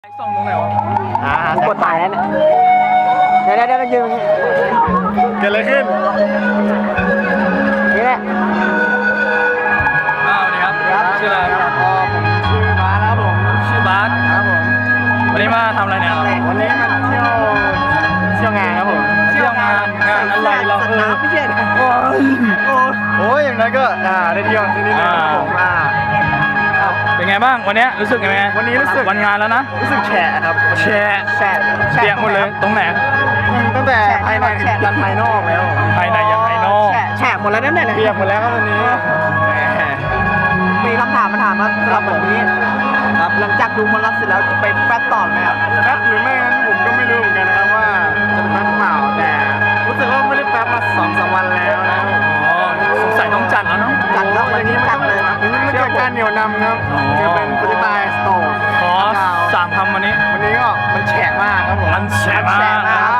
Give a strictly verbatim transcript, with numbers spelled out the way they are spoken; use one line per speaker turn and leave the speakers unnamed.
ส่งตรงไหนวะ
อ่ากดถ่ายแล้วเนี่ยเดี๋ยวเดี๋ยวเดี๋ยวยืน
เกิดอะไรขึ้น
นี่แหละ
อ้าวนี่ครับชื่ออะไรครับ
อ๋อผมชื่อบาสครับผม
ชื่อบาส
ครับผม
วันนี้มาทำอะไรเนี่ย
วันนี้มาเที่ยวเที่ยวงานครับผม
เที่ยวงานงานอะไรเราเออ
ไม่ใช่โอ้ยโอ้ยอย่างนั้นก็อ่าได้เที่ยวที่นี่นะครับผมอ่า
เป็นไงบ้างวันนี้รู้สึกยังไง
วันนี้รู้สึก
วันงานแล้วนะ
รู้สึกแฉะครับ
แชร์
แฉะ
เปียกหมดเลยตรงไหน
ตั้งแต่ภายในถึงยันภายนอกแล้ว
ภายในยันภายนอก
แฉะแฉะหมดแล้วนั่นแหละเปียกหมดแล้วครับวันนี้มีคำถามมาถามว่าสำหรับผมนี้ครับหลังจากดูมอลลัสเสร็จแล้วไปแฟตต่อไหมครับแฟตหรือไม่นั้นผมก็ไม่รู้เหมือนกันนะครับว่าจะแฟตเปล่าแต่รู้สึกว่าไม่ได้แฟตมาสองสามวันแล้วนะ
อ๋อสงสัยต้องจัดแล้วเนาะ
จัดแล้ววันนี้จัดเลยครับมันเกิดการเหนียวนำครับจะเป็นโปรตีนสโตร์
ขอสามคำวันนี้
วันนี้ก็มันแฉะมากครับผม
มันแฉะมาก
แฉะมาก